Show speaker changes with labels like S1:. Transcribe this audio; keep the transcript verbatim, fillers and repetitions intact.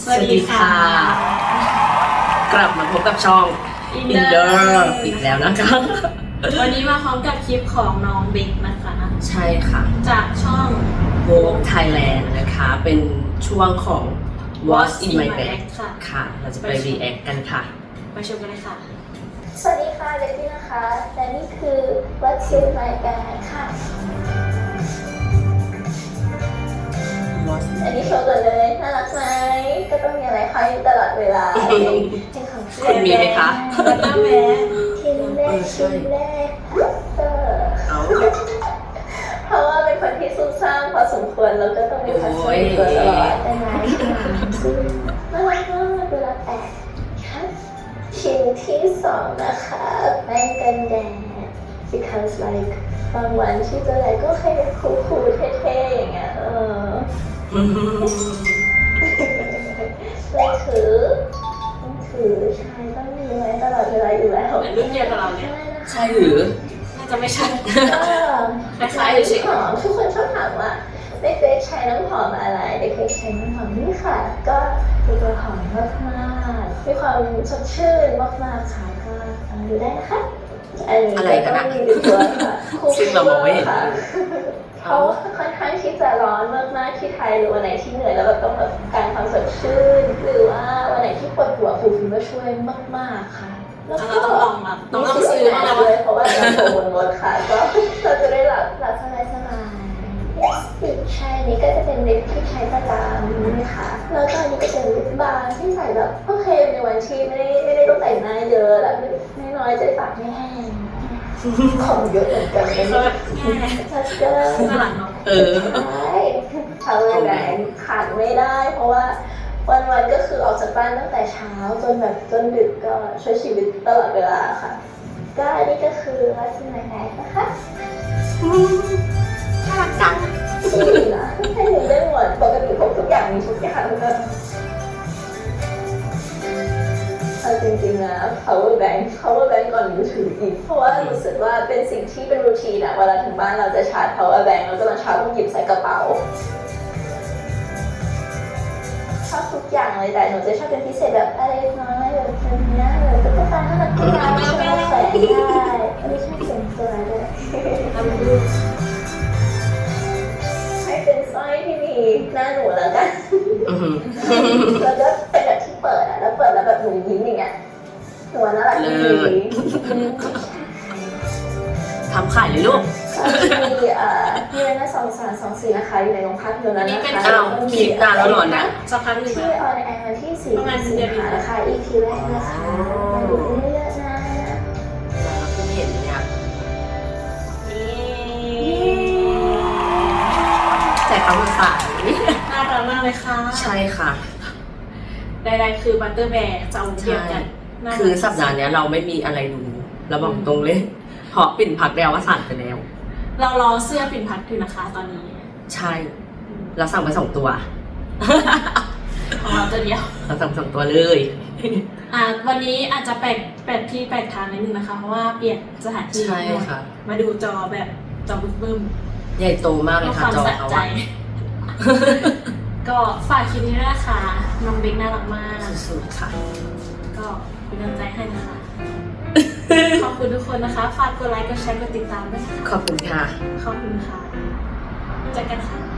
S1: สวัสดีค่ะ
S2: กลับมาพบกับช่อง
S1: Inner
S2: อีกแล้วนะคะ
S1: วันนี้มาพร้อมกับคลิปของน้องเบคนะคะ
S2: ใช่ค่ะ
S1: จากช่อง
S2: Vogue Thailand นะคะ เป็นช่วงของ What's in my bag
S1: ค่ะ
S2: ค่ะ เราจะไป react กันค่ะ
S1: ไปชมกันเลยค่ะ
S3: สวัสดีค่ะเด็กพี่นะคะและนี่คือ What's in my bag ค่ะ อันนี้โชว์ก่อนเลยน่ารักไหมก็ต้องมีอะไรคอยตลอดเวลาเป็นของ
S2: คุณมีไหมคะ
S1: แล้วก็แม่
S3: ชิ้นแรกชิ้นแรกเออ
S2: เอา
S3: เพราะว่าเป็นคนที่ซุ่มซ่ามพอสมควรแล้วก็ต้องมีพัสดุตัวตลอดแต่ไหนซึ่งน่ารักมากเวลาแตกค่ะชิ้นที่สองนะคะแป้งกันแดด because like บางวันที่เจออะไรก็แค่คูลๆเท่ๆอย่างเงี้ยเออไม่ถือต้องถือใช่ต้องมีไว้ตลอดเวลาอยู่แล้ว
S1: เหมือนรุ่นเดียวกับเราเนี่ย
S2: ใช่หรือ
S1: น่าจะไม่ใช่
S3: ก็คล้ายๆน้ำหอมทุกคนชอบถามว่าเด็กๆใช้น้ำหอมอะไรเด็กๆใช้น้ำหอมนี่ค่ะก็มีตัวหอมมากๆมีความสดชื่นมากๆค่ะก็ลองดูได้นะคะอันนี้ก็ต้องมีตัวค่ะ
S2: ซึ่งเรามองไม่เห็น
S3: ค่ะเขาค่อนข้างที่จะร้อนมากๆที่ไทยหรือวันไหนที่เหนื่อยแล้วเราต้องแบบการความสดชื่นหรือว่าวันไหนที่ปวดหัวฟูฟิล์มก็ช่วยมากๆค่ะแล้ว
S1: เรา
S3: ก็
S1: ต้องลองแบบต้องลองซื้อมาแล้ว
S3: เลยเพราะว่าเราโผล่บนรถค่ะก็เราจะได้หลับหลับสบายสบายใช่อันนี้ก็จะเป็นลิปที่ใช้ประจำนะคะแล้วก็อันนี้ก็เป็นลิปบาล์มที่ใส่แบบโอเคในวันที่ไม่ได้ไม่ได้ต้องแต่งหน้าเยอะแล้วน้อยๆจะได้ปากไม่แห้งของเยอะเหมือนกันเลย
S1: ก็แบบแง่
S3: ชัดเจน
S1: ข้างหลังเนาะ
S2: เออ
S3: ใช่ทำเลยแบงขาดไม่ได้ เพราะว่าวันๆก็คือออกจากบ้านตั้งแต่เช้าจนแบบจนดึกก็ใช้ชีวิตตลอดเวลาค่ะก็อันนี้ก็คือวัสดุในแบกนะคะ
S2: น่ารักจัง
S3: ดีนะให้หนูได้หมดปกติพกทุกอย่างมีทุกอย่างก็เอาจริงๆนะ power bank power bank ก่อนมือถืออีกเพราะว่ารู้สึกว่าเป็นสิ่งที่เป็นรูทีนอะเวลาถึงบ้านเราจะชาร์จ power bank แล้วก็ตอนเช้าต้องหยิบใส่กระเป๋าชอบทุกอย่างเลยแต่หนูจะชอบเป็นพิเศษแบบอะไรน้อยแบบนี้แบบตุ๊กตาน่ารักน่ารักชอบแขวนได้ไม่ใช่เสียงตัวด้วย
S1: ทำดู
S3: ให้เป็นสร้อยที่มีหน้าหนูแล้วกัน
S2: อื้อหือ
S3: แล้วก็เป็นแบบที่เปิดอ่ะแล้วเปิดแล้วแบบหนูยิ้มอย่างเงี้ยหนูว่าน่ารักดี
S2: ทำขายเลยลูก
S3: มีเอ่อมีอะไรนะสองสามสองสี่นะคะอยู่ในโรงภาพยนตร์นั้นนะคะ
S2: อ้าวคลิปนานแล้วเหรอนะ
S1: สักพักหนึ่ง
S3: ที่
S1: นะ
S3: ออนแอร์วันที่สี่สิงหานะคะ อี พี แรกนะคะมาดูเยอะๆนะ
S2: เราเพิ่งเห็นเนี่ย
S1: นี่
S2: แต่เขามาฝาก
S1: น่ารักมากเลยค่ะ
S2: ใช่ค่ะ
S1: ใดๆคือบัตเตอร์แบร์จะเอาเทียบกันน่ารัก
S2: คือสัปดาห์เนี้ยเราไม่มีอะไรดูเราบอกตรงเลยเพราะปิ่นพักแล้วว่าสั่งไปแล้ว
S1: เรารอเสื้อปิ่นพัดอยู่นะคะตอนนี้
S2: ใช่ เราสั่งไปสองตัว
S1: ของเราตัวเดียว
S2: เราสั่งสองตัวเลย
S1: อ่าวันนี้อาจจะแปลกแปลกที่แปลกทางนิดนึงนะคะ เพราะว่าเปลี่ยนสถานที่
S2: ใช่ค่ะ
S1: มาดูจอแบบจอบึ้ม
S2: ใหญ่โตมาก
S1: ๆ
S2: เล
S1: เพื่
S2: ย
S1: อค
S2: ค่ะ
S1: วาม
S2: จอ
S1: สะ
S2: เขา
S1: ใจ
S2: อะ
S1: ก็ฝากคลิปนี้ด้วยนะคะน้องเบคน่ารักมาก
S2: สุดๆค่ะ
S1: ก็เป็นกำลังใจให้นะคะ ขอบคุณทุกคนนะคะ ฝากกดไลค์ กดแชร์ กดติดตามด้วยนะคะ
S2: ขอบคุณค่ะ
S1: ขอบคุณค่ะเจอกันค่ะ